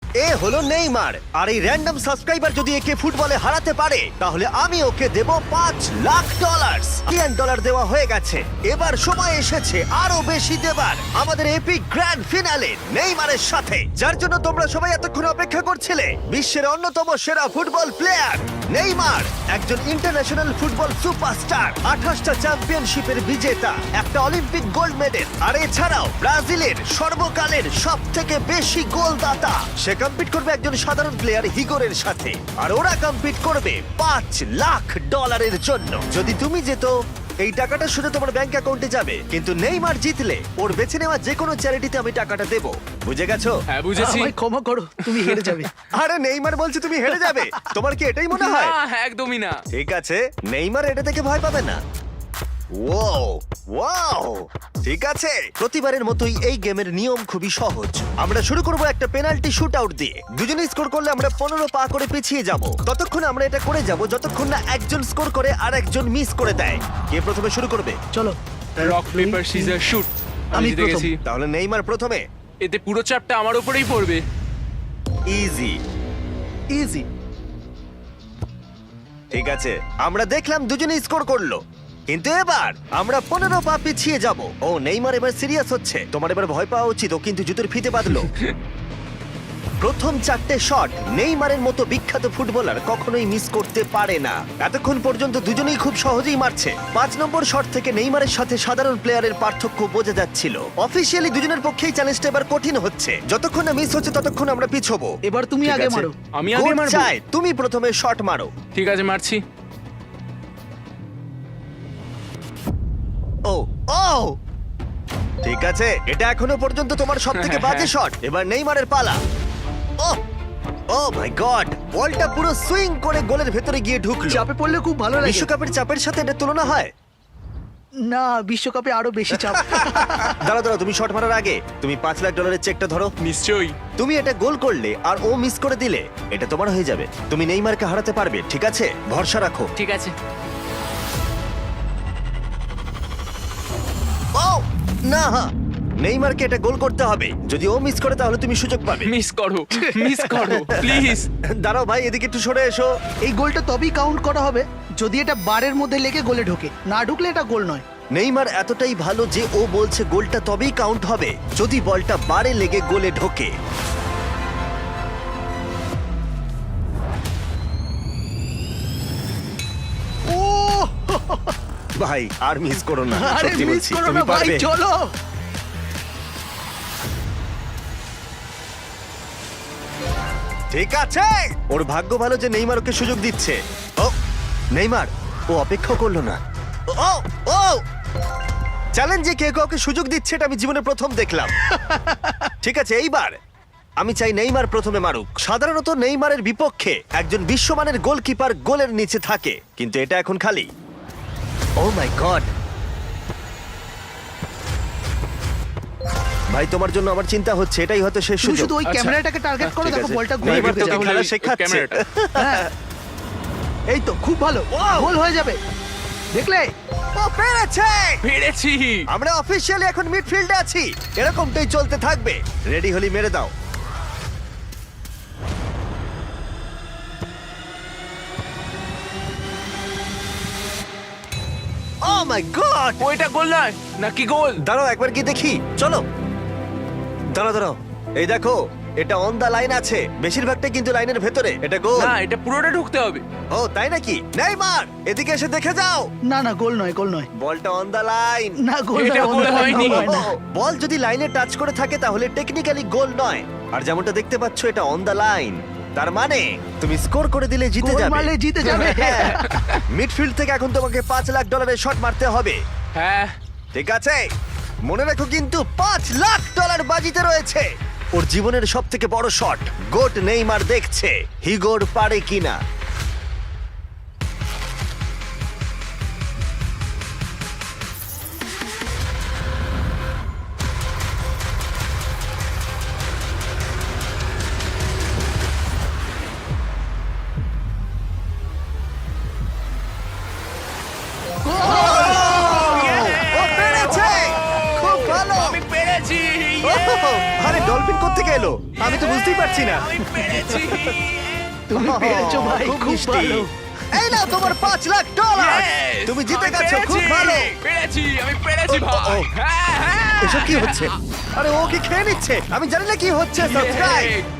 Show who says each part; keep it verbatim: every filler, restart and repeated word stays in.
Speaker 1: এ হলো নেইমার, আর এই random subscriber যদি একে ফুটবলে হারাতে পারে তাহলে আমি ওকে দেব পাঁচ লাখ ডলার। মিলিয়ন ডলার দেওয়া হয়ে গেছে, এবার সময় এসেছে আরো বেশি দেবার আমাদের এপিক গ্র্যান্ড ফিনালে নেইমারের সাথে, যার জন্য তোমরা সবাই এতক্ষণ অপেক্ষা করছিলে। বিশ্বের অন্যতম সেরা ফুটবল প্লেয়ার নেইমার, একজন ইন্টারন্যাশনাল ফুটবল সুপারস্টার, আঠাশটা চ্যাম্পিয়নশিপের বিজেতা, একটা অলিম্পিক গোল্ড মেডেল, আর এছাড়াও ব্রাজিলের সর্বকালের সব থেকে বেশি গোলদাতা। সে কম্পিট করবে একজন সাধারণ প্লেয়ার হিগোরের সাথে, আর ওরা কম্পিট করবে পাঁচ লাখ ডলারের জন্য। যদি তুমি যেত এই টাকাটা শুধু তোমার ব্যাংক অ্যাকাউন্টে যাবে, কিন্তু নেইমার জিতলে ওর বেছে নেওয়া যে কোনো চ্যারিটিতে আমি টাকাটা দেব। বুঝে গেছো?
Speaker 2: হ্যাঁ বুঝেছি।
Speaker 3: আমায় ক্ষমা করো, তুমি হেরে যাবে।
Speaker 1: আরে নেইমার বলছে তুমি হেরে যাবে, তোমার কি এটাই মনে হয়?
Speaker 2: না, একদমই না।
Speaker 1: ঠিক আছে, নেইমার এটা থেকে ভয় পাবে না। ওয়াও ওয়াও, ঠিক আছে। প্রতিবারের মতোই এই গেমের নিয়ম খুবই সহজ। আমরা শুরু করব একটা পেনাল্টি শুট আউট দিয়ে। দুজনে স্কোর করলে আমরা পনেরো পা করে পিছিয়ে যাব। ততক্ষণ আমরা এটা করে যাব যতক্ষণ না একজন স্কোর করে আর একজন মিস করে দেয়। কে প্রথমে শুরু করবে?
Speaker 3: চলো।
Speaker 2: Rock paper scissor shoot. আমি
Speaker 3: আমি
Speaker 2: জিতে
Speaker 3: প্রথম।
Speaker 2: গেছি।
Speaker 1: তাহলে নেইমার প্রথমে।
Speaker 2: এতে পুরো চাপটা আমার উপরেই পড়বে।
Speaker 1: ইজি।
Speaker 3: ইজি।
Speaker 1: ঠিক আছে, আমরা দেখলাম দুজনে স্কোর করলো, কিন্তু এবার আমরা পনেরো পা পিছিয়ে যাব। ও নেইমার এবার সিরিয়াস হচ্ছে, তোমার এবার ভয় পাওয়া উচিত। ও কিন্তু জুতোর ফিতে বাঁধলো। প্রথম চারটে শট নেইমারের মতো বিখ্যাত ফুটবলার কখনোই মিস করতে পারে না। এতক্ষণ পর্যন্ত দুজনেই খুব সহজেই মারছে। পাঁচ নম্বর শট থেকে নেইমারের সাথে সাধারণ প্লেয়ারের পার্থক্য বোঝা যাচ্ছিল। অফিসিয়ালি দুজনের পক্ষেই চ্যালেঞ্জটা এবার কঠিন হচ্ছে। যতক্ষণ না মিস হচ্ছে ততক্ষণ আমরা পিছবো।
Speaker 3: এবার তুমি
Speaker 1: ঠিক
Speaker 3: আগে
Speaker 1: আছে?
Speaker 3: মারো।
Speaker 2: আমি আগে
Speaker 1: গোল
Speaker 2: মারবো?
Speaker 1: চাই, তুমি প্রথমে শট মারো।
Speaker 2: ঠিক আছে, মারছি।
Speaker 1: ও ও ঠিক আছে, এটা এখনো পর্যন্ত তোমার সবথেকে বাজে শট। এবার নেইমারের পালা। ও ও মাই গড, বলটা পুরো সুইং করে গোলের ভেতরে গিয়ে ঢুকলো।
Speaker 3: চাপে পড়লে খুব ভালো লাগে।
Speaker 1: বিশ্বকাপের চাপের সাথে এটা তুলনা হয়?
Speaker 3: না, বিশ্বকাপে আরো বেশি চাপ।
Speaker 1: দাঁড়াও দাঁড়াও, তুমি শট মারার আগে তুমি পাঁচ লাখ ডলারের চেকটা ধরো।
Speaker 2: নিশ্চয়ই।
Speaker 1: তুমি এটা গোল করলে আর ও মিস করে দিলে এটা তোমার হয়ে যাবে। তুমি নেইমারকে হারাতে পারবে, ঠিক আছে? ভরসা রাখো।
Speaker 2: ঠিক আছে।
Speaker 1: ও না, নেইমারকে এটা গোল করতে হবে। যদি ও মিস করে তাহলে তুমি সুযোগ পাবে।
Speaker 2: মিস করো, মিস করো প্লিজ।
Speaker 1: দাঁড়াও ভাই, এদিকে একটু সরে এসো।
Speaker 3: এই গোলটা তবেই কাউন্ট করা হবে যদি এটা বারের মধ্যে লেগে গোলে ঢোকে। না ঢুকলে এটা গোল নয়।
Speaker 1: নেইমার এতটাই ভালো যে ও বলছে গোলটা তবেই কাউন্ট হবে যদি বলটা বারে লেগে গোলে ঢোকে।
Speaker 3: ও
Speaker 1: ভাই আর মিস করো না,
Speaker 3: আরে
Speaker 1: সত্যি
Speaker 3: মিস
Speaker 1: বলছি,
Speaker 3: করো
Speaker 1: তুমি
Speaker 3: না ভাই,
Speaker 1: পারবে।
Speaker 3: চলো।
Speaker 1: ঠিক আছে, ওর ভাগ্য ভালো যে নেইমার ওকে সুযোগ দিচ্ছে। ও নেইমার, ও অপেক্ষা করলো না। ও ও চ্যালেঞ্জে কে কাউকে সুযোগ দিচ্ছে এটা আমি জীবনে প্রথম দেখলাম। ঠিক আছে, এইবার আমি চাই নেইমার প্রথমে মারুক। সাধারণত নেইমারের বিপক্ষে একজন বিশ্বমানের গোলকিপার গোলের নিচে থাকে, কিন্তু এটা এখন খালি। ও মাই গড, ভাই তোমার জন্য আমার চিন্তা হচ্ছে। এটাই হয়তো শেষ
Speaker 3: তুমি
Speaker 1: সুযোগ।
Speaker 3: শুধু ওই
Speaker 2: আচ্ছা।
Speaker 3: ক্যামেরাটাকে টার্গেট করো,
Speaker 1: ঠিক
Speaker 3: দেখো
Speaker 1: আছে।
Speaker 3: বলটা গোলে
Speaker 1: নেইমার
Speaker 3: ঢুকে
Speaker 1: তোকে
Speaker 3: যাবে।
Speaker 1: খেলা
Speaker 2: ওই
Speaker 1: শেখাচ্ছে।
Speaker 2: ক্যামেরাটা।
Speaker 3: হ্যাঁ। এই তো খুব ভালো,
Speaker 1: Wow!
Speaker 3: গোল হয়ে যাবে। দেখলে?
Speaker 1: ও পেরেছে!
Speaker 2: পেরেছি।
Speaker 1: আমরা অফিসিয়ালি এখন মিডফিল্ডে আছি। এরকমটাই চলতে থাকবে। রেডি হলি মেরে দাও। Oh my god!
Speaker 2: ওইটা গোল নয় নাকি গোল?
Speaker 1: দাঁড়াও একবার কি দেখি, চলো। দাঁড়াও দাঁড়াও, এই দেখো এটা অন দা লাইন আছে। বেশিরভাগটা কিন্তু লাইনের ভেতরে। এটা গোল।
Speaker 2: না, এটা পুরোটা ঢুকতে হবে।
Speaker 1: ও তাই নাকি? নেইমার এদিকে এসে দেখে যাও।
Speaker 3: না না, গোল নয়, গোল নয়।
Speaker 1: বলটা অন দা লাইন।
Speaker 3: না, গোল
Speaker 2: এটা
Speaker 3: নয়,
Speaker 2: গোল
Speaker 3: গোল
Speaker 2: হয়নি।
Speaker 3: হয় না।
Speaker 1: বল যদি লাইনে টাচ করে থাকে তাহলে টেকনিক্যালি গোল নয়। আর যেমনটা দেখতে পাচ্ছ এটা অন দা লাইন, তার মানে তুমি স্কোর করে দিলে জিতে
Speaker 3: গোল
Speaker 1: যাবে।
Speaker 3: মারলে জিতে যাবে।
Speaker 1: মিডফিল্ড থেকে এখন তোমাকে পাঁচ লাখ ডলারের শট মারতে হবে।
Speaker 2: হ্যাঁ।
Speaker 1: ঠিক আছে, মনে রাখো কিন্তু পাঁচ লাখ ডলার বাজিতে রয়েছে। ওর জীবনের সব থেকে বড় শট গোট নেইমার দেখছে হিগোর পারে কিনা। ও পেরেছে! খুব ভালো!
Speaker 2: আমি পেরেছি।
Speaker 1: ওহ, আরে ডলফিন কোত্থেকে এলো? আমি তো বুঝতেই পারছি না।
Speaker 2: আমি পেরেছি
Speaker 3: তুমি পেরেছো ভাই,
Speaker 1: খুব
Speaker 3: খুব
Speaker 1: মিষ্টি।
Speaker 3: ভালো।
Speaker 1: এই নাও তোমার পাঁচ লাখ ডলার
Speaker 2: Yes!
Speaker 1: তুমি জিতে
Speaker 2: আমি
Speaker 1: গেছো, খুব
Speaker 2: পেরেছি,
Speaker 1: ভালো।
Speaker 2: পেরেছি আমি পেরেছি
Speaker 1: ও, ও,
Speaker 2: ভাই
Speaker 1: ও।
Speaker 2: হ্যাঁ হ্যাঁ
Speaker 1: এসব কি হচ্ছে? আরে ও কি খেয়ে নিচ্ছে? আমি জানি না কি হচ্ছে। Subscribe
Speaker 2: Yay!